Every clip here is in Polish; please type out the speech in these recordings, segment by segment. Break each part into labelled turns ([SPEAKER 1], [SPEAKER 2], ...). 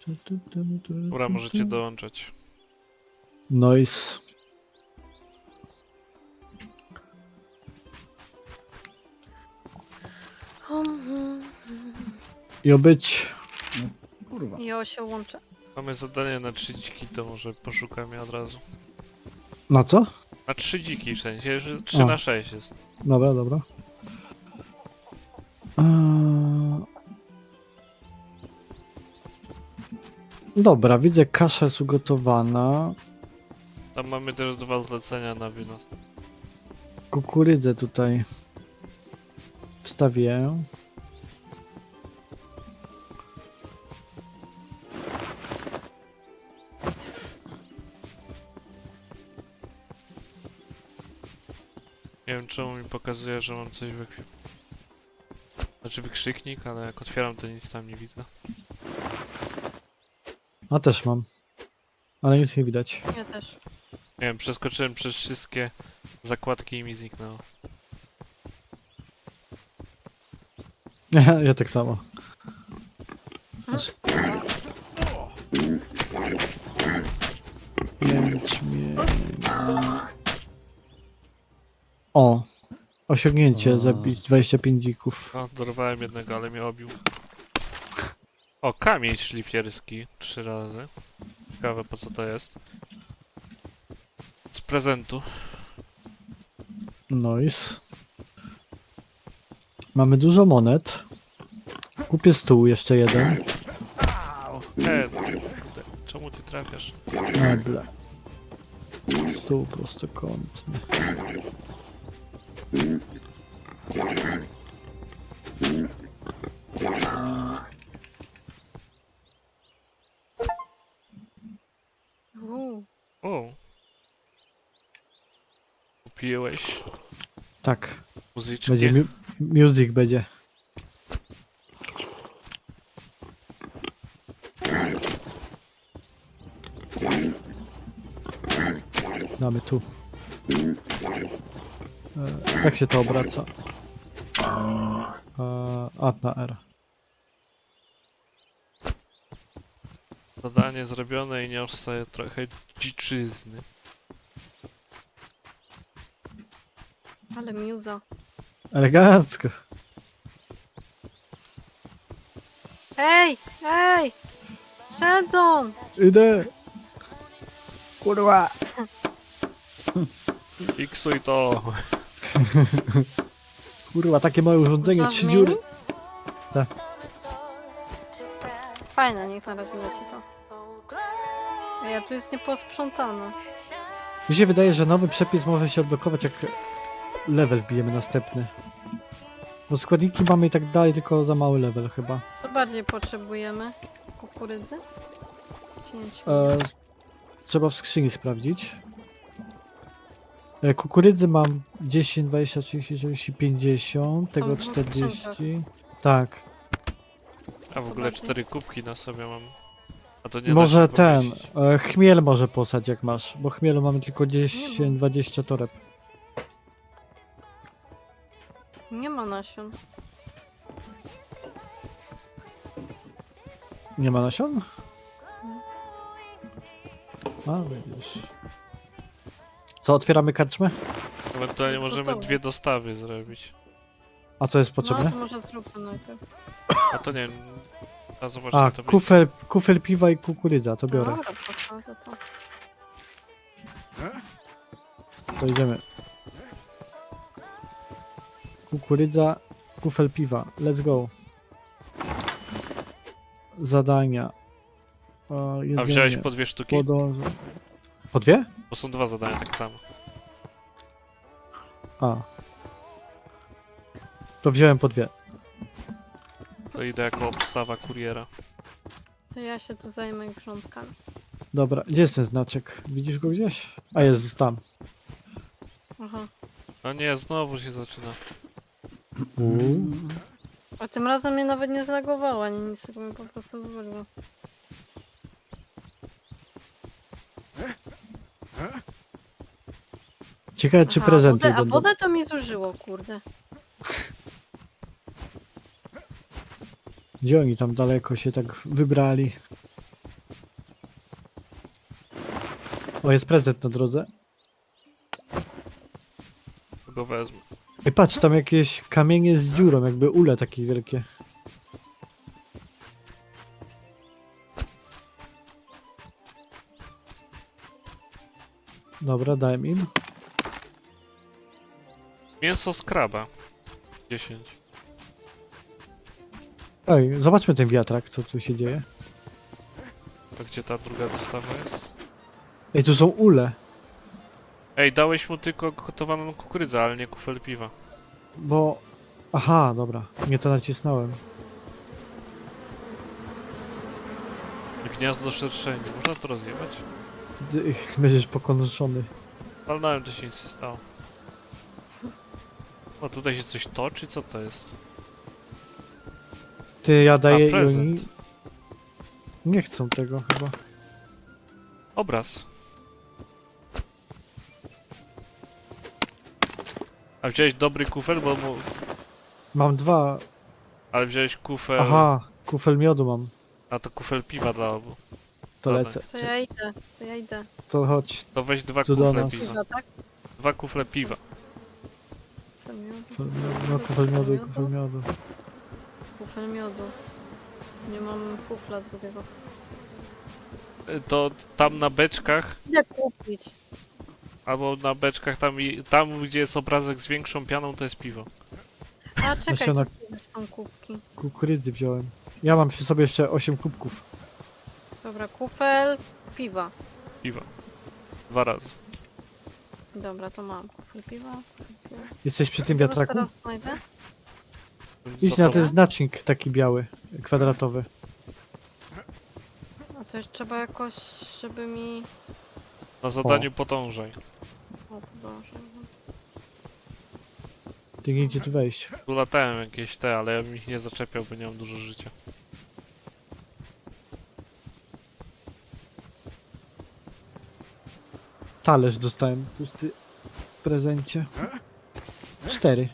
[SPEAKER 1] Dobra, możecie dołączać.
[SPEAKER 2] Noise. I obyć.
[SPEAKER 3] Kurwa.
[SPEAKER 4] I się łączę.
[SPEAKER 1] Mamy zadanie na 3 dziki, to może poszukamy od razu.
[SPEAKER 2] Na co?
[SPEAKER 1] Na 3 dziki w sensie, że 3
[SPEAKER 2] A.
[SPEAKER 1] na 6 jest.
[SPEAKER 2] Dobra, dobra. Dobra, widzę, kasza jest ugotowana.
[SPEAKER 1] Tam mamy też 2 zlecenia na wynos.
[SPEAKER 2] Kukurydzę tutaj wstawię.
[SPEAKER 1] Nie wiem czemu mi pokazuje, że mam coś w ekwipunku. Znaczy wykrzyknik, ale jak otwieram to nic tam nie widzę.
[SPEAKER 2] A też mam. Ale nic nie widać.
[SPEAKER 4] Ja też.
[SPEAKER 1] Nie wiem, przeskoczyłem przez wszystkie zakładki i mi zniknęło.
[SPEAKER 2] Ja tak samo. Jęczmień. O! Osiągnięcie, zabić 25 dzików.
[SPEAKER 1] O, dorwałem jednego, ale mnie obił. O, kamień szlifierski 3 razy. Ciekawe po co to jest. Z prezentu.
[SPEAKER 2] Nice. Mamy dużo monet. Kupię stół, jeszcze jeden.
[SPEAKER 1] Kurde, czemu ty trafiasz?
[SPEAKER 2] Meble. Stół prostokątny.
[SPEAKER 1] O! Kupiłeś
[SPEAKER 2] Tak.
[SPEAKER 1] muzyczkę?
[SPEAKER 2] Będzie music będzie. Damy tu. Jak się to obraca? A na R.
[SPEAKER 1] Zadanie zrobione i niosę sobie trochę dziczyzny.
[SPEAKER 4] Ale miuza.
[SPEAKER 2] Elegancko.
[SPEAKER 4] Ej! Ej! Sheldon!
[SPEAKER 2] Idę. Kurwa.
[SPEAKER 1] Fiksuj to!
[SPEAKER 2] Kurwa, takie małe urządzenie,
[SPEAKER 4] Można
[SPEAKER 2] 3 dziury.
[SPEAKER 4] zmienić?
[SPEAKER 2] Tak.
[SPEAKER 4] Fajne, niech na razie leci to. Ej, a tu jest nieposprzątane.
[SPEAKER 2] Mi się wydaje, że nowy przepis może się odblokować, jak level wbijemy następny. Bo składniki mamy i tak dalej, tylko za mały level chyba.
[SPEAKER 4] Co bardziej potrzebujemy? Kukurydzy? Cięć.
[SPEAKER 2] Trzeba w skrzyni sprawdzić. Kukurydzy mam 10, 20, 30, 40, 50, tego
[SPEAKER 4] w dwóch
[SPEAKER 2] 40. Tak.
[SPEAKER 1] A w ogóle
[SPEAKER 4] bardziej?
[SPEAKER 1] 4 kubki na sobie mam. A to nie da
[SPEAKER 2] Może
[SPEAKER 1] się
[SPEAKER 2] ten,
[SPEAKER 1] pomieścić.
[SPEAKER 2] chmiel może posadź jak masz, bo chmielu mamy tylko 10, 20 toreb.
[SPEAKER 4] Nie ma nasion.
[SPEAKER 2] Nie ma nasion? A, widzisz. Co, otwieramy karczmę?
[SPEAKER 1] Ewentualnie
[SPEAKER 4] jest
[SPEAKER 1] możemy
[SPEAKER 4] gotowe.
[SPEAKER 1] 2 dostawy zrobić.
[SPEAKER 2] A co jest
[SPEAKER 4] No
[SPEAKER 2] potrzebne?
[SPEAKER 4] to może zróbmy najpierw.
[SPEAKER 1] A to nie wiem. A zobaczcie
[SPEAKER 2] A,
[SPEAKER 1] to
[SPEAKER 2] kufel piwa i kukurydza, to biorę.
[SPEAKER 4] Dobra, posadzę to.
[SPEAKER 2] To idziemy. Kukurydza, kufel piwa. Let's go. Zadania.
[SPEAKER 1] A wziąłeś po 2 sztuki?
[SPEAKER 2] Po dwie?
[SPEAKER 1] Bo są 2 zadania tak samo.
[SPEAKER 2] A. To wziąłem po dwie.
[SPEAKER 1] To idę jako obstawa kuriera.
[SPEAKER 4] To ja się tu zajmę grządkami.
[SPEAKER 2] Dobra, gdzie jest ten znaczek? Widzisz go gdzieś? A jest tam.
[SPEAKER 4] Aha.
[SPEAKER 1] No nie, znowu się zaczyna.
[SPEAKER 4] A tym razem mnie nawet nie zlagowało, ani nic, tylko mi po prostu wywaliło.
[SPEAKER 2] Ciekawe czy
[SPEAKER 4] Aha,
[SPEAKER 2] prezenty
[SPEAKER 4] a
[SPEAKER 2] będą.
[SPEAKER 4] wodę to mi zużyło, kurde.
[SPEAKER 2] Gdzie oni tam daleko się tak wybrali? O, jest prezent na drodze.
[SPEAKER 1] Go wezmę.
[SPEAKER 2] Ej, patrz, tam jakieś kamienie z dziurą, jakby ule takie wielkie. Dobra, dałem im.
[SPEAKER 1] Mięso z kraba. 10.
[SPEAKER 2] Ej, zobaczmy ten wiatrak, co tu się dzieje.
[SPEAKER 1] A gdzie ta druga dostawa jest?
[SPEAKER 2] Ej, tu są ule,
[SPEAKER 1] Ej, dałeś mu tylko gotowaną kukurydzę, ale nie kufel piwa.
[SPEAKER 2] bo... Aha, dobra, nie to nacisnąłem.
[SPEAKER 1] Gniazdo szerszeni. Można to rozjebać?
[SPEAKER 2] Będziesz pokonuszony.
[SPEAKER 1] Walnąłem, to się nic nie stało. O, tutaj się coś toczy? Co to jest?
[SPEAKER 2] Ty, ja daję i
[SPEAKER 1] prezent.
[SPEAKER 2] oni... Nie chcą tego chyba.
[SPEAKER 1] Obraz. A wziąłeś dobry kufel, bo mu...
[SPEAKER 2] Mam dwa.
[SPEAKER 1] Ale wziąłeś kufel...
[SPEAKER 2] Aha, kufel miodu mam.
[SPEAKER 1] A to kufel piwa dla obu.
[SPEAKER 2] To
[SPEAKER 1] Dobra.
[SPEAKER 2] lecę.
[SPEAKER 4] To ja idę, to ja idę.
[SPEAKER 2] To chodź.
[SPEAKER 1] To weź 2
[SPEAKER 2] Tu do
[SPEAKER 1] kufle
[SPEAKER 2] nas.
[SPEAKER 1] piwa.
[SPEAKER 4] Piwa, tak?
[SPEAKER 1] 2 kufle piwa.
[SPEAKER 4] To miód.
[SPEAKER 2] No, kufel miodu i kufel miodu.
[SPEAKER 4] Kufel miodu. Nie mam kufla drugiego.
[SPEAKER 1] To tam na beczkach,
[SPEAKER 4] Idę kupić.
[SPEAKER 1] albo na beczkach tam, tam gdzie jest obrazek z większą pianą, to jest piwo.
[SPEAKER 4] A czekaj,
[SPEAKER 2] Nasiona-
[SPEAKER 4] tu są kubki.
[SPEAKER 2] Kukurydzy wziąłem. Ja mam przy sobie jeszcze 8 kubków.
[SPEAKER 4] Dobra, kufel, piwa.
[SPEAKER 1] Piwa. 2 razy.
[SPEAKER 4] Dobra, to mam. Kufel piwa. Kufel piwa.
[SPEAKER 2] Jesteś przy tym
[SPEAKER 4] Teraz-
[SPEAKER 2] wiatraku?
[SPEAKER 4] Teraz znajdę.
[SPEAKER 2] Idź
[SPEAKER 1] Za
[SPEAKER 2] na
[SPEAKER 1] tobą.
[SPEAKER 2] ten znacznik taki biały, kwadratowy.
[SPEAKER 4] A to już trzeba jakoś, żeby mi...
[SPEAKER 1] Na zadaniu podążaj.
[SPEAKER 4] O, Boże.
[SPEAKER 2] Ty nie idzie tu wejść.
[SPEAKER 1] Tu latałem jakieś te, ale ja bym ich nie zaczepiał, bo nie mam dużo życia.
[SPEAKER 2] Talerz dostałem pusty w prezencie. 4.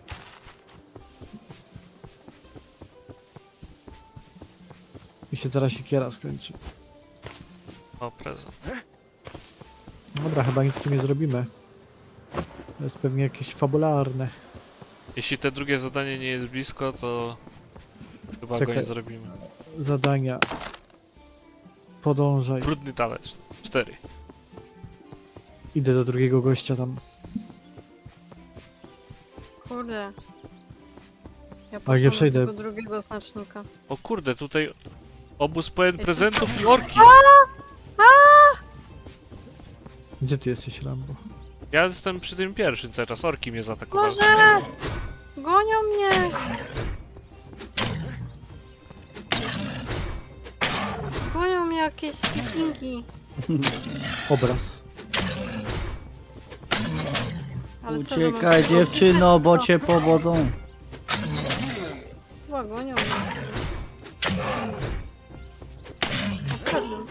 [SPEAKER 2] I się zaraz siekiera skończy.
[SPEAKER 1] O, prezent.
[SPEAKER 2] Dobra, chyba nic z tym nie zrobimy. To jest pewnie jakieś fabularne.
[SPEAKER 1] Jeśli te drugie zadanie nie jest blisko, to chyba go
[SPEAKER 2] Czekaj.
[SPEAKER 1] nie zrobimy.
[SPEAKER 2] Zadania. Podążaj.
[SPEAKER 1] Brudny talerz. 4.
[SPEAKER 2] Idę do drugiego gościa tam.
[SPEAKER 4] Kurde. Ja
[SPEAKER 2] nie
[SPEAKER 4] poszłam
[SPEAKER 2] przejdę.
[SPEAKER 4] do tego drugiego znacznika.
[SPEAKER 1] O kurde, tutaj obóz pełen prezentów i orki.
[SPEAKER 2] Gdzie ty jesteś, Rambo?
[SPEAKER 1] Ja jestem przy tym pierwszym cały czas, orki mnie zaatakowały.
[SPEAKER 4] Boże! Gonią mnie! Gonią mnie jakieś wikingi.
[SPEAKER 2] Obraz.
[SPEAKER 4] Ale co, że mam
[SPEAKER 3] Uciekaj
[SPEAKER 4] tylko
[SPEAKER 3] dziewczyno, bo
[SPEAKER 4] uciec?
[SPEAKER 3] cię powodzą.
[SPEAKER 4] Chyba gonią mnie. O, prezent.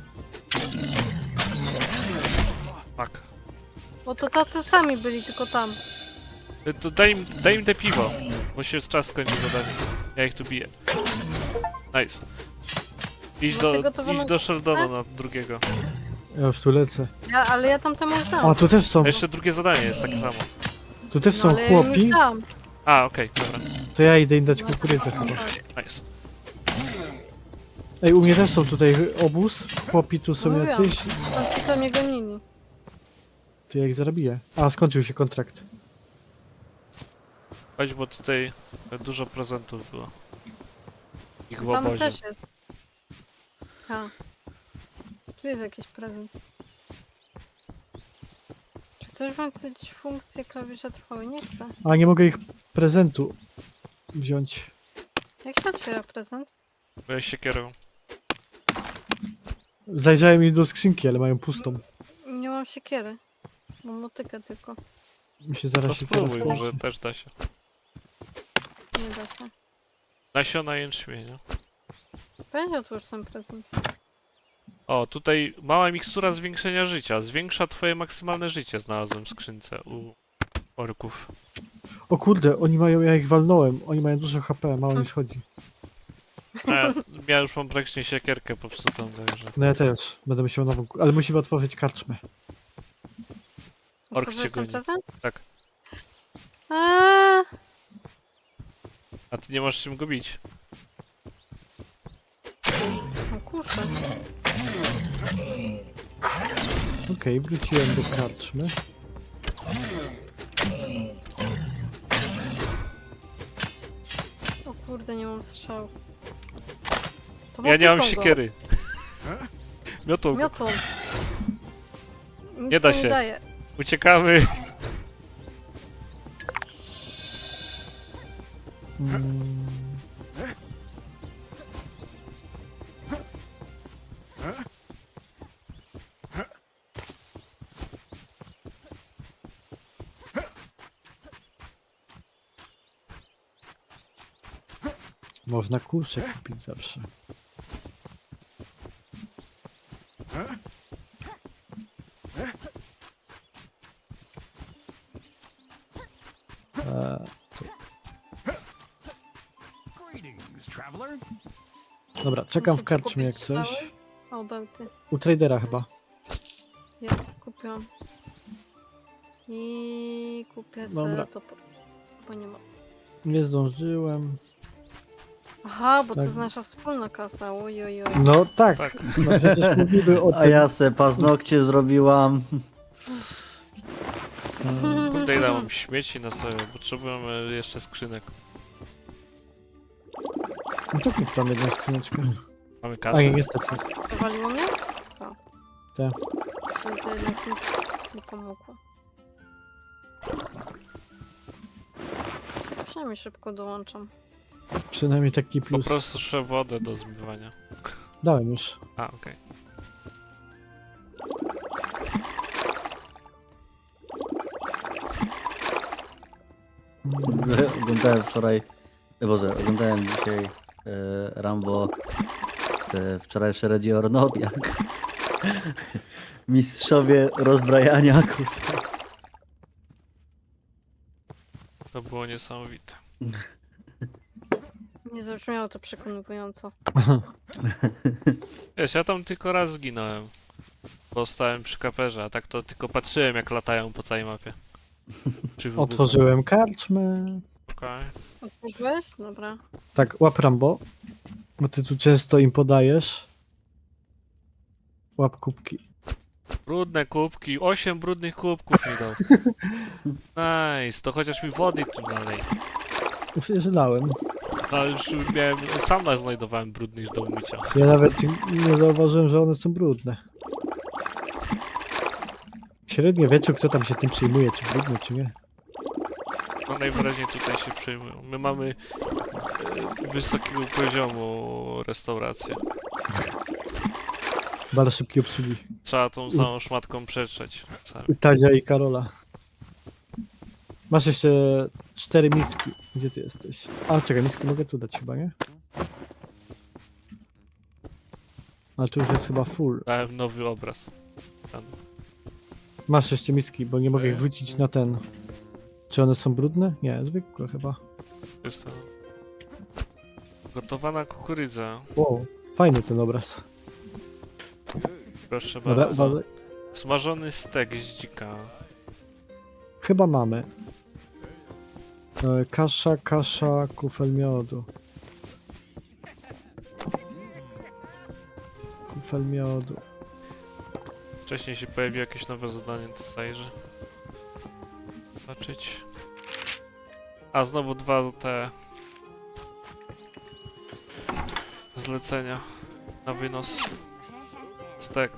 [SPEAKER 1] Tak.
[SPEAKER 4] Bo to tacy sami byli, tylko tam.
[SPEAKER 1] To daj im te piwo, bo się czas skończy zadanie. Ja ich tu biję. Nice. Idź
[SPEAKER 4] Macie
[SPEAKER 1] do,
[SPEAKER 4] gotowaną
[SPEAKER 1] idź do Sheldona na drugiego.
[SPEAKER 2] Ja już tu lecę.
[SPEAKER 4] Ale ja tam temu już dam.
[SPEAKER 2] A, tu też są.
[SPEAKER 1] A jeszcze drugie zadanie jest takie samo.
[SPEAKER 2] Tu też
[SPEAKER 4] No,
[SPEAKER 2] są
[SPEAKER 4] ale ja im
[SPEAKER 2] chłopi.
[SPEAKER 4] już dam.
[SPEAKER 1] A, okej, dobra.
[SPEAKER 2] To ja idę im dać
[SPEAKER 4] No,
[SPEAKER 2] kukurydzę
[SPEAKER 4] tak,
[SPEAKER 2] chyba.
[SPEAKER 4] tak.
[SPEAKER 1] Nice.
[SPEAKER 2] Ej, u mnie też są tutaj obóz. Chłopi tu są
[SPEAKER 4] Mówiłam.
[SPEAKER 2] jacyś.
[SPEAKER 4] Są ci, co mnie gonili.
[SPEAKER 2] To ja ich zarobię. A, skończył się kontrakt.
[SPEAKER 1] Chodź, bo tutaj dużo prezentów było. Ich w
[SPEAKER 4] Tam
[SPEAKER 1] obozie.
[SPEAKER 4] też jest. A. Tu jest jakiś prezent. Czy chcesz włączyć funkcję klawisza trwały? Nie chcę.
[SPEAKER 2] A, nie mogę ich prezentu wziąć.
[SPEAKER 4] Jak się otwiera prezent?
[SPEAKER 1] Byłeś siekierą.
[SPEAKER 2] Zajrzałem im do skrzynki, ale mają pustą.
[SPEAKER 4] Nie mam siekiery. Mam motykę tylko.
[SPEAKER 2] Mi się
[SPEAKER 1] To
[SPEAKER 2] zaraz siekiera
[SPEAKER 1] spróbuj,
[SPEAKER 2] skończy.
[SPEAKER 1] może też da się.
[SPEAKER 4] Nie da się.
[SPEAKER 1] Nasiona jęczmienia.
[SPEAKER 4] Będzie otwórz ten prezent.
[SPEAKER 1] O, tutaj mała mikstura zwiększenia życia. Zwiększa twoje maksymalne życie, znalazłem w skrzynce u orków.
[SPEAKER 2] O kurde, oni mają, ja ich walnąłem. Oni mają dużo HP, mało mi schodzi.
[SPEAKER 1] A ja Ja już mam praktycznie siekierkę popsutą, także...
[SPEAKER 2] No ja też. Będę musiał nową... Ale musimy otworzyć karczmę.
[SPEAKER 1] Ork cię
[SPEAKER 4] Otworzyłeś ten
[SPEAKER 1] goni.
[SPEAKER 4] prezent?
[SPEAKER 1] Tak.
[SPEAKER 4] Eee,
[SPEAKER 1] A ty nie masz czym go bić.
[SPEAKER 4] no kurczę.
[SPEAKER 2] Okej, wróciłem do karczmy.
[SPEAKER 4] O kurde, nie mam strzał. To
[SPEAKER 1] Ja nie mam
[SPEAKER 4] motyką go.
[SPEAKER 1] siekiery. Miotą go.
[SPEAKER 4] Miotłą. Nic
[SPEAKER 1] Nie da
[SPEAKER 4] to
[SPEAKER 1] się.
[SPEAKER 4] Nie daje.
[SPEAKER 1] Uciekamy.
[SPEAKER 2] Mm. Można kurczę kupić zawsze.
[SPEAKER 3] Greetings, traveler.
[SPEAKER 2] Dobra, czekam w
[SPEAKER 4] Muszę
[SPEAKER 2] karczmie jak
[SPEAKER 4] kupić
[SPEAKER 2] coś.
[SPEAKER 4] strzały. O, bełty.
[SPEAKER 2] U tradera chyba.
[SPEAKER 4] Jest, kupiłam. I kupię
[SPEAKER 2] Dobra.
[SPEAKER 4] sobie to, bo nie ma.
[SPEAKER 2] Nie zdążyłem.
[SPEAKER 4] Aha, bo to
[SPEAKER 2] Tak.
[SPEAKER 4] jest nasza wspólna kasa. Oj, oj, oj.
[SPEAKER 2] No tak,
[SPEAKER 1] Tak.
[SPEAKER 2] no przecież mówimy o
[SPEAKER 5] A
[SPEAKER 2] tym.
[SPEAKER 5] ja se paznokcie zrobiłam.
[SPEAKER 1] Kurde, ile mam śmieci na sobie. Potrzebujemy jeszcze skrzynek.
[SPEAKER 2] No to kup tam jedną skrzyneczkę.
[SPEAKER 1] Mamy
[SPEAKER 2] A
[SPEAKER 1] kasę.
[SPEAKER 2] nie, niestety.
[SPEAKER 4] Wywaliło mnie? Tak.
[SPEAKER 2] Tak.
[SPEAKER 4] Czyli to jednak nic nie pomogło. Przynajmniej szybko dołączam.
[SPEAKER 2] Przynajmniej taki
[SPEAKER 1] Po
[SPEAKER 2] plus.
[SPEAKER 1] prostu trzeba wodę do zmywania.
[SPEAKER 2] Dałem już.
[SPEAKER 1] A, okej.
[SPEAKER 5] Oglądałem wczoraj, Boże, oglądałem dzisiaj Rambo, te wczorajsze Ready or Not, jak mistrzowie rozbrajania, kurwa.
[SPEAKER 1] To było niesamowite.
[SPEAKER 4] Nie zabrzmiało to przekonująco.
[SPEAKER 1] Wiesz, ja tam tylko raz zginąłem. Bo stałem przy kaperze, a tak to tylko patrzyłem jak latają po całej mapie. Czy wybuchną.
[SPEAKER 2] Otworzyłem karczmę.
[SPEAKER 1] Okej.
[SPEAKER 4] Otworzyłeś? Dobra.
[SPEAKER 2] Tak, łap Rambo. Bo ty tu często im podajesz. Łap kubki.
[SPEAKER 1] Brudne kubki, 8 brudnych kubków mi dał. Nice, to chociaż mi wody tu dalej.
[SPEAKER 2] Przecież dałem.
[SPEAKER 1] No już miałem, sam znajdowałem brudnych do umycia.
[SPEAKER 2] Ja nawet nie zauważyłem, że one są brudne. W średniowieczu kto tam się tym przyjmuje, czy brudne, czy nie?
[SPEAKER 1] No najwyraźniej tutaj się przejmują. My mamy wysokiego poziomu restaurację.
[SPEAKER 2] Bardzo szybkiej obsługi.
[SPEAKER 1] Trzeba tą samą szmatką przetrzeć.
[SPEAKER 2] U Tadzia i Karola. Masz jeszcze 4 miski. Gdzie ty jesteś? A, czekaj, miski mogę tu dać chyba, nie? Ale tu już jest chyba full.
[SPEAKER 1] Dałem nowy obraz. Tam.
[SPEAKER 2] Masz jeszcze miski, bo nie mogę ich wrzucić na ten. Czy one są brudne? Nie, zwykłe chyba.
[SPEAKER 1] Jest to... Gotowana kukurydza.
[SPEAKER 2] Wow, fajny ten obraz.
[SPEAKER 1] Proszę
[SPEAKER 2] Dobra,
[SPEAKER 1] bardzo.
[SPEAKER 2] uważaj.
[SPEAKER 1] Smażony stek z dzika.
[SPEAKER 2] Chyba mamy. Kasza, kufel miodu. Kufel miodu.
[SPEAKER 1] Wcześniej się pojawi jakieś nowe zadanie, to zajrzę. Zobaczyć. A znowu dwa te zlecenia na wynos. Stek.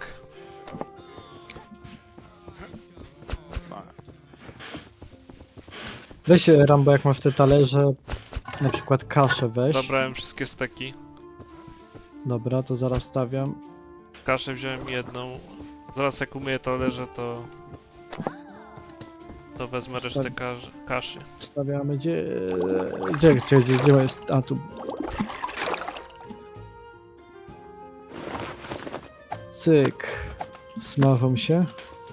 [SPEAKER 2] Weź Rambo, jak masz te talerze, na przykład kaszę weź.
[SPEAKER 1] Zabrałem wszystkie steki.
[SPEAKER 2] Dobra, to zaraz stawiam.
[SPEAKER 1] Kaszę wziąłem jedną. Zaraz jak umyję talerze, to wezmę resztę kaszy.
[SPEAKER 2] Stawiamy gdzie jest? A tu. Cyk. Smażą się.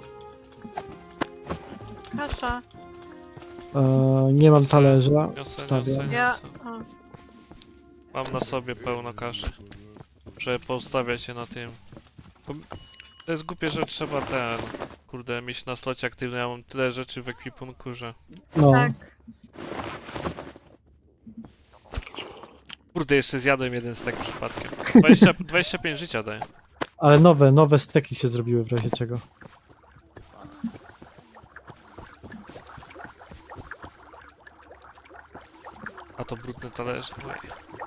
[SPEAKER 4] Kasza.
[SPEAKER 2] Nie mam
[SPEAKER 1] Niosę,
[SPEAKER 2] talerza.
[SPEAKER 1] Niosę,
[SPEAKER 2] Wstawiam.
[SPEAKER 1] niosę,
[SPEAKER 4] Ja...
[SPEAKER 1] niosę.
[SPEAKER 4] A,
[SPEAKER 1] Mam na sobie pełno kaszy. Muszę poustawiać się na tym. Bo to jest głupie, że trzeba kurde, mieć na slocie aktywny. Ja mam tyle rzeczy w ekwipunku, że...
[SPEAKER 2] No,
[SPEAKER 4] Tak.
[SPEAKER 1] Kurde, jeszcze zjadłem jeden stek przypadkiem. 25 życia daje.
[SPEAKER 2] ale nowe steki się zrobiły w razie czego.
[SPEAKER 1] A to brudne talerze. Oj.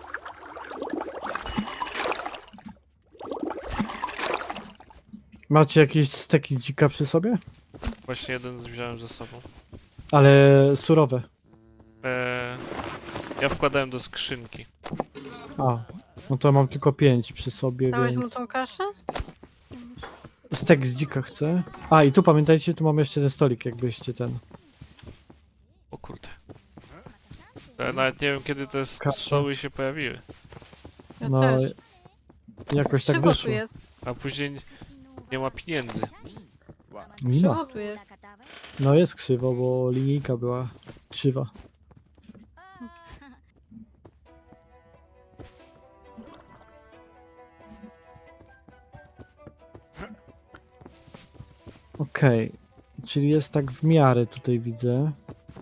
[SPEAKER 2] Macie jakieś steki dzika przy sobie?
[SPEAKER 1] Właśnie jeden wziąłem ze sobą.
[SPEAKER 2] Ale surowe.
[SPEAKER 1] Ja wkładałem do skrzynki.
[SPEAKER 2] A, no to mam tylko 5 przy sobie,
[SPEAKER 4] Dałeś mu
[SPEAKER 2] więc...
[SPEAKER 4] tą kaszę?
[SPEAKER 2] Stek z dzika chcę. A, i tu pamiętajcie, tu mamy jeszcze ten stolik, jakbyście ten...
[SPEAKER 1] O kurde. Ja nawet nie wiem, kiedy te
[SPEAKER 2] Kasza.
[SPEAKER 1] stoły się pojawiły.
[SPEAKER 4] Ja
[SPEAKER 2] No,
[SPEAKER 4] też.
[SPEAKER 2] jakoś tak
[SPEAKER 4] Krzywo tu
[SPEAKER 2] wyszło.
[SPEAKER 4] jest.
[SPEAKER 1] A później nie ma pieniędzy.
[SPEAKER 2] Nie ma.
[SPEAKER 4] Krzywo tu jest.
[SPEAKER 2] No jest krzywo, bo linijka była krzywa. Okej, czyli jest tak w miarę tutaj widzę.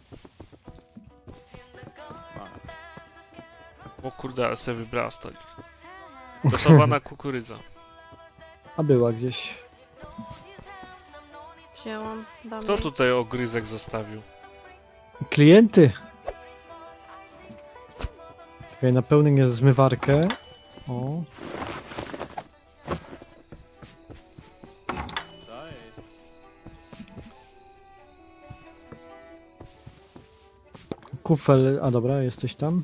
[SPEAKER 1] O kurde, ale sobie wybrała stolik. Gotowana kukurydza.
[SPEAKER 2] A była gdzieś.
[SPEAKER 4] Wzięłam. Dam
[SPEAKER 1] Kto
[SPEAKER 4] jej.
[SPEAKER 1] tutaj ogryzek zostawił?
[SPEAKER 2] Klienty! Czekaj, napełnię zmywarkę. O. Kufel, a dobra, jesteś tam.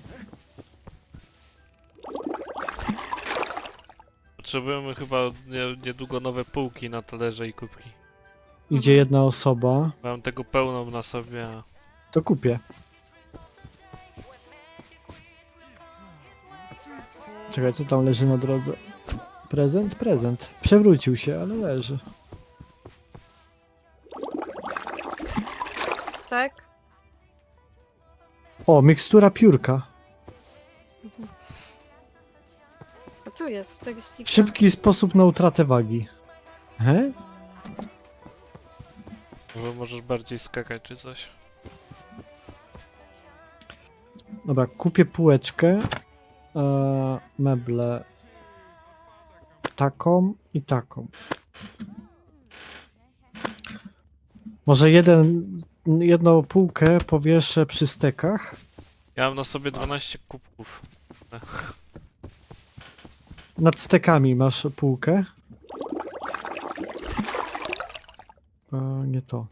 [SPEAKER 1] Potrzebujemy chyba niedługo nowe półki na talerze i kubki.
[SPEAKER 2] Idzie jedna osoba.
[SPEAKER 1] Mam tego pełną na sobie, a...
[SPEAKER 2] To kupię. Czekaj, co tam leży na drodze? Prezent? Prezent. Przewrócił się, ale leży.
[SPEAKER 4] Stek?
[SPEAKER 2] O, mikstura piórka.
[SPEAKER 4] A tu jest stek z dzika.
[SPEAKER 2] Szybki sposób na utratę wagi. He?
[SPEAKER 1] Bo możesz bardziej skakać czy coś.
[SPEAKER 2] Dobra, kupię półeczkę. Meble. Taką i taką. Może jedną półkę powieszę przy stekach.
[SPEAKER 1] Ja mam na sobie 12 kubków.
[SPEAKER 2] Nad stekami masz półkę. Nie to.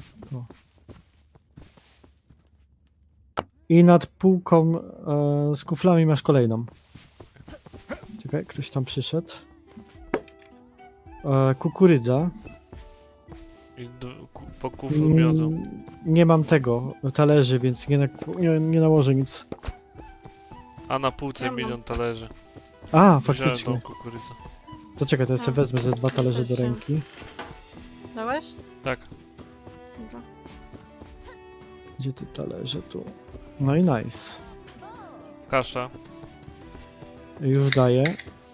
[SPEAKER 2] I nad półką z kuflami masz kolejną. Czekaj, ktoś tam przyszedł. Kukurydza.
[SPEAKER 1] I po kuflu miodu.
[SPEAKER 2] Nie mam tego talerzy, więc nie nałożę nic.
[SPEAKER 1] A na półce
[SPEAKER 4] Ja mam.
[SPEAKER 1] 1 milion talerzy.
[SPEAKER 2] A,
[SPEAKER 1] Wziąłem
[SPEAKER 2] faktycznie.
[SPEAKER 1] tą kukurydzę.
[SPEAKER 2] To czekaj, to ja sobie wezmę ze 2 talerze do ręki.
[SPEAKER 4] Dałeś?
[SPEAKER 1] Tak.
[SPEAKER 4] Dobra.
[SPEAKER 2] Gdzie ty talerze? Tu. No i nice.
[SPEAKER 1] Kasza.
[SPEAKER 2] Już daję.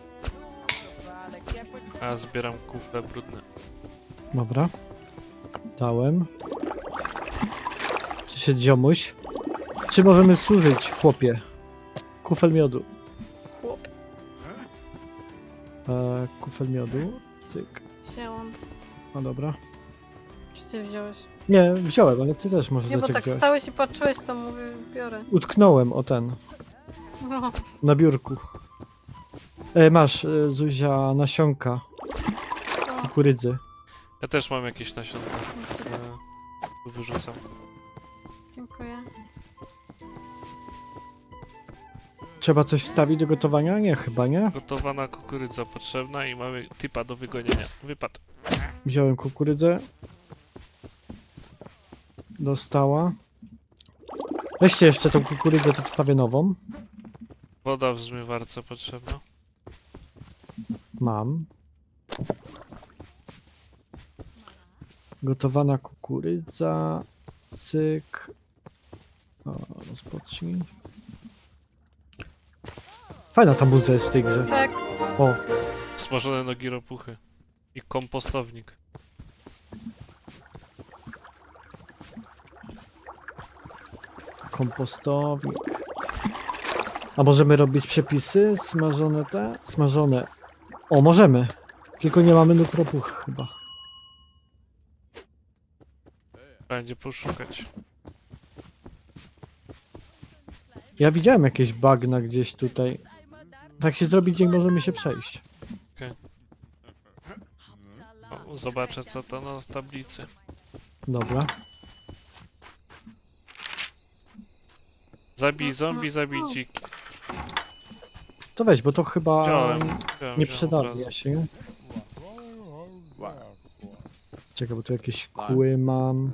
[SPEAKER 1] A ja zbieram kufle brudne.
[SPEAKER 2] Dobra. Dałem. Przyszedł ziomuś. Czy możemy służyć, chłopie? Kufel miodu.
[SPEAKER 4] Chłop.
[SPEAKER 2] Kufel miodu. Cyk.
[SPEAKER 4] Wzięłam.
[SPEAKER 2] No dobra.
[SPEAKER 4] Czy ty wziąłeś?
[SPEAKER 2] Nie, wziąłem, ale ty też możesz
[SPEAKER 4] Nie, bo
[SPEAKER 2] zacząć
[SPEAKER 4] tak
[SPEAKER 2] wziąć.
[SPEAKER 4] stałeś i patrzyłeś, to mówię, biorę.
[SPEAKER 2] Utknąłem o ten.
[SPEAKER 4] No.
[SPEAKER 2] Na biurku. Masz, Zuzia, nasionka kukurydzy.
[SPEAKER 1] Ja też mam jakieś nasionka. Tu wyrzucam.
[SPEAKER 4] Dziękuję.
[SPEAKER 2] Trzeba coś wstawić do gotowania? Nie, chyba nie.
[SPEAKER 1] Gotowana kukurydza potrzebna i mamy typa do wygonienia. Wypad.
[SPEAKER 2] Wziąłem kukurydzę. Dostała. Weźcie jeszcze tą kukurydzę, to wstawię nową.
[SPEAKER 1] Woda w zmywarce potrzebna.
[SPEAKER 2] Mam. Gotowana kukurydza. Cyk. O, rozpocznij. Fajna ta muza jest w tej grze.
[SPEAKER 4] Tak.
[SPEAKER 2] O,
[SPEAKER 1] Smażone nogi ropuchy. I kompostownik.
[SPEAKER 2] Kompostownik. A możemy robić przepisy? Smażone te? Smażone. O, możemy. Tylko nie mamy nóg ropuch chyba.
[SPEAKER 1] Będzie poszukać.
[SPEAKER 2] Ja widziałem jakieś bagna gdzieś tutaj. Tak się zrobi dzień, możemy się przejść.
[SPEAKER 1] O, zobaczę co to na tablicy.
[SPEAKER 2] Dobra.
[SPEAKER 1] Zabij zombie, zabij dziki.
[SPEAKER 2] To weź, bo to chyba
[SPEAKER 1] Wziąłem
[SPEAKER 2] nie
[SPEAKER 1] wziąłem od
[SPEAKER 2] przydawia
[SPEAKER 1] razu.
[SPEAKER 2] się. Czekaj, bo tu jakieś kły mam.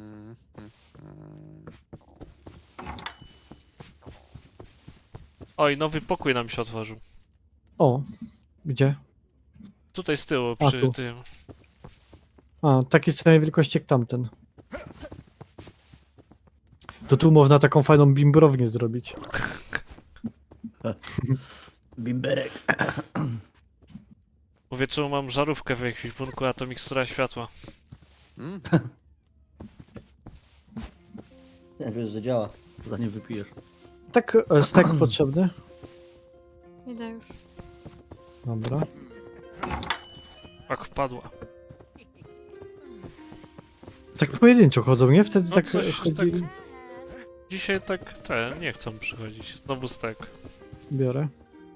[SPEAKER 1] Oj, nowy pokój nam się otworzył.
[SPEAKER 2] O, gdzie?
[SPEAKER 1] Tutaj z tyłu,
[SPEAKER 2] A,
[SPEAKER 1] przy
[SPEAKER 2] tu.
[SPEAKER 1] tym.
[SPEAKER 2] A, takiej samej wielkości jak tamten. To tu można taką fajną bimbrownię zrobić.
[SPEAKER 5] Bimberek.
[SPEAKER 1] Mówię, czemu mam żarówkę w ekwipunku, a to mikstura światła.
[SPEAKER 5] Ja wiesz, że działa, zanim wypijesz.
[SPEAKER 2] Tak, stek potrzebny.
[SPEAKER 4] Idę już.
[SPEAKER 2] Dobra.
[SPEAKER 1] Tak wpadła.
[SPEAKER 2] Tak pojedynczo chodzą, nie? Wtedy
[SPEAKER 1] No
[SPEAKER 2] tak
[SPEAKER 1] coś
[SPEAKER 2] chodzili.
[SPEAKER 1] tak. Dzisiaj tak nie chcą przychodzić. Znowu stek.
[SPEAKER 2] Biorę.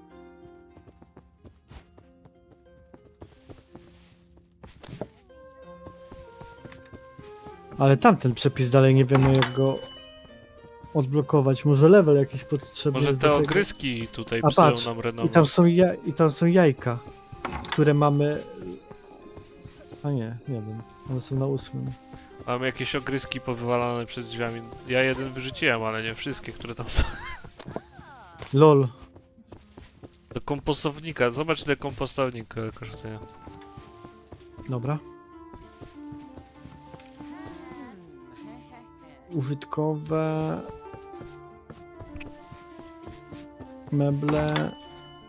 [SPEAKER 2] Ale tamten przepis dalej nie wiemy jak go odblokować. Może level jakiś potrzebny
[SPEAKER 1] Może
[SPEAKER 2] jest
[SPEAKER 1] te
[SPEAKER 2] do tego.
[SPEAKER 1] ogryski tutaj
[SPEAKER 2] A
[SPEAKER 1] psują
[SPEAKER 2] patrz,
[SPEAKER 1] nam
[SPEAKER 2] I
[SPEAKER 1] renomę.
[SPEAKER 2] tam są jajka, które mamy... A nie, nie wiem. One są na 8.
[SPEAKER 1] Mam jakieś ogryski powywalane przed drzwiami. Ja jeden wyrzuciłem, ale nie wszystkie, które tam są.
[SPEAKER 2] LOL.
[SPEAKER 1] Do kompostownika. Zobacz ile kompostownik kosztuje.
[SPEAKER 2] Dobra. Użytkowe... Meble...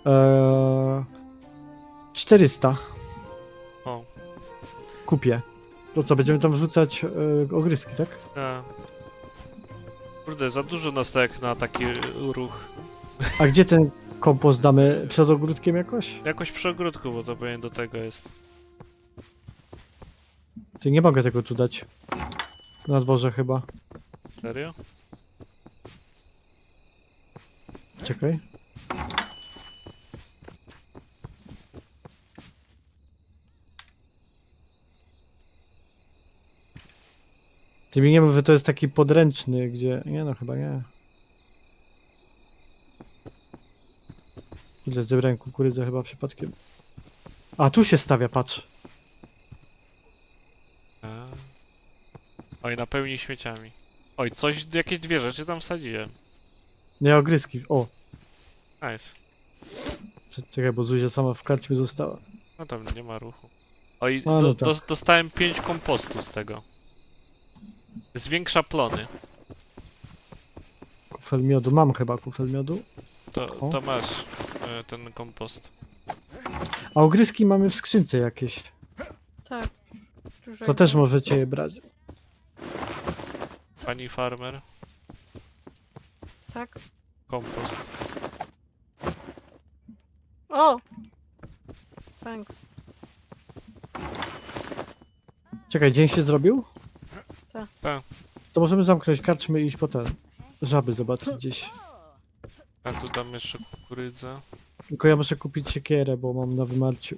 [SPEAKER 2] 400.
[SPEAKER 1] O.
[SPEAKER 2] Kupię. To co, będziemy tam wrzucać ogryski, tak?
[SPEAKER 1] Kurde, za dużo nas tak na taki ruch.
[SPEAKER 2] A gdzie ten kompost damy? Przed ogródkiem jakoś?
[SPEAKER 1] Jakoś przy ogródku, bo to pewnie do tego jest.
[SPEAKER 2] Ty nie mogę tego tu dać. Na dworze chyba.
[SPEAKER 1] Serio?
[SPEAKER 2] Czekaj. Ty mi nie mów, że to jest taki podręczny, gdzie... Nie no, chyba nie. Ile zebrałem kukurydzę chyba przypadkiem. A, tu się stawia, patrz.
[SPEAKER 1] A. Oj, napełni śmieciami. Oj, coś, jakieś dwie rzeczy tam wsadziłem.
[SPEAKER 2] Nie, ogryski. O,
[SPEAKER 1] Nice.
[SPEAKER 2] czekaj, bo Zuzia sama w karczmie została.
[SPEAKER 1] No tam nie ma ruchu. Oj,
[SPEAKER 2] A, no tak.
[SPEAKER 1] dostałem 5 kompostu z tego. Zwiększa plony.
[SPEAKER 2] Kufel miodu. Mam chyba kufel miodu. O.
[SPEAKER 1] To masz ten kompost.
[SPEAKER 2] A ogryski mamy w skrzynce jakieś.
[SPEAKER 4] Tak. Dużo
[SPEAKER 2] To
[SPEAKER 4] ich
[SPEAKER 2] też
[SPEAKER 4] mam.
[SPEAKER 2] możecie je brać.
[SPEAKER 1] Pani farmer,
[SPEAKER 4] Tak.
[SPEAKER 1] kompost.
[SPEAKER 4] O! Thanks.
[SPEAKER 2] Czekaj, dzień się zrobił?
[SPEAKER 4] Tak.
[SPEAKER 1] Tak.
[SPEAKER 2] To możemy zamknąć karczmy i iść po ten. Żaby zobaczyć gdzieś.
[SPEAKER 1] A tu dam jeszcze kukurydzę.
[SPEAKER 2] Tylko ja muszę kupić siekierę, bo mam na wymarciu.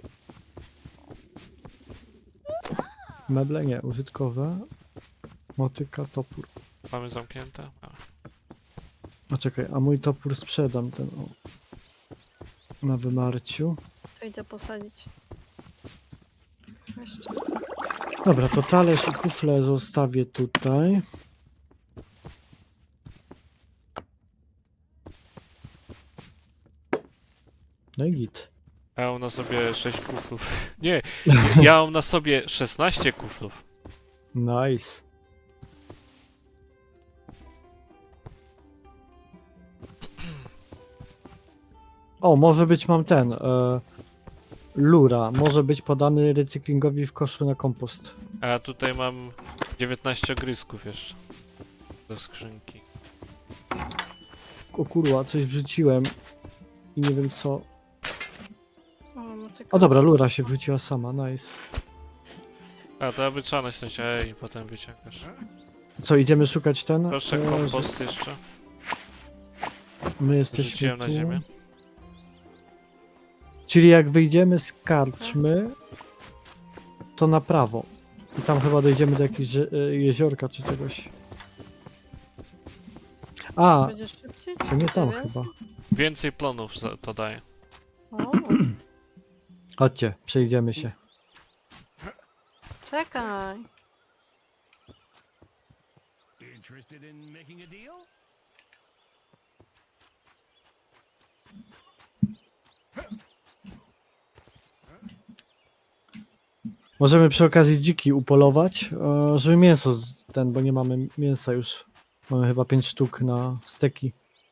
[SPEAKER 2] Meble nie, użytkowe. Motyka, topór.
[SPEAKER 1] Mamy zamknięte? A.
[SPEAKER 2] A czekaj, a mój topór sprzedam ten o. Na wymarciu.
[SPEAKER 4] To idę posadzić. Jeszcze.
[SPEAKER 2] Dobra, to talerz i kufle zostawię tutaj. No i git.
[SPEAKER 1] Ja mam na sobie 6 kuflów. Nie, ja mam na sobie 16 kuflów.
[SPEAKER 2] Nice. O, może być mam ten. lura może być podany recyklingowi w koszu na kompost.
[SPEAKER 1] A ja tutaj mam 19 ogryzków jeszcze. Do skrzynki.
[SPEAKER 2] O kurwa, coś wrzuciłem i nie wiem co.
[SPEAKER 4] tylko...
[SPEAKER 2] O dobra, lura się wrzuciła sama, nice.
[SPEAKER 1] A, to aby trzeba nacisnąć E i potem wyciągasz.
[SPEAKER 2] Co, idziemy szukać ten?
[SPEAKER 1] Proszę
[SPEAKER 2] że
[SPEAKER 1] kompost jeszcze.
[SPEAKER 2] My jesteśmy
[SPEAKER 1] Rzuciłem na
[SPEAKER 2] tu.
[SPEAKER 1] ziemię.
[SPEAKER 2] Czyli jak wyjdziemy z karczmy, to na prawo. I tam chyba dojdziemy do jakiegoś jeziorka czy czegoś. A,
[SPEAKER 4] Będzie szybciej?
[SPEAKER 2] to nie tam
[SPEAKER 4] Więcej?
[SPEAKER 2] chyba.
[SPEAKER 1] Więcej plonów to daje.
[SPEAKER 4] O,
[SPEAKER 2] Chodźcie, przejdziemy się.
[SPEAKER 4] czekaj.
[SPEAKER 3] Interested in making a deal?
[SPEAKER 2] Możemy przy okazji dziki upolować, żeby mięso bo nie mamy mięsa już. Mamy chyba 5 sztuk na steki.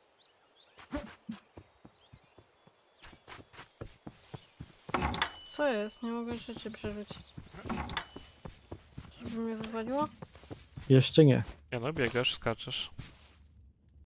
[SPEAKER 4] Co jest? Nie mogę rzeczy przerzucić. Żeby mnie wywaliło?
[SPEAKER 2] Jeszcze nie.
[SPEAKER 1] Nie no, biegasz, skaczesz.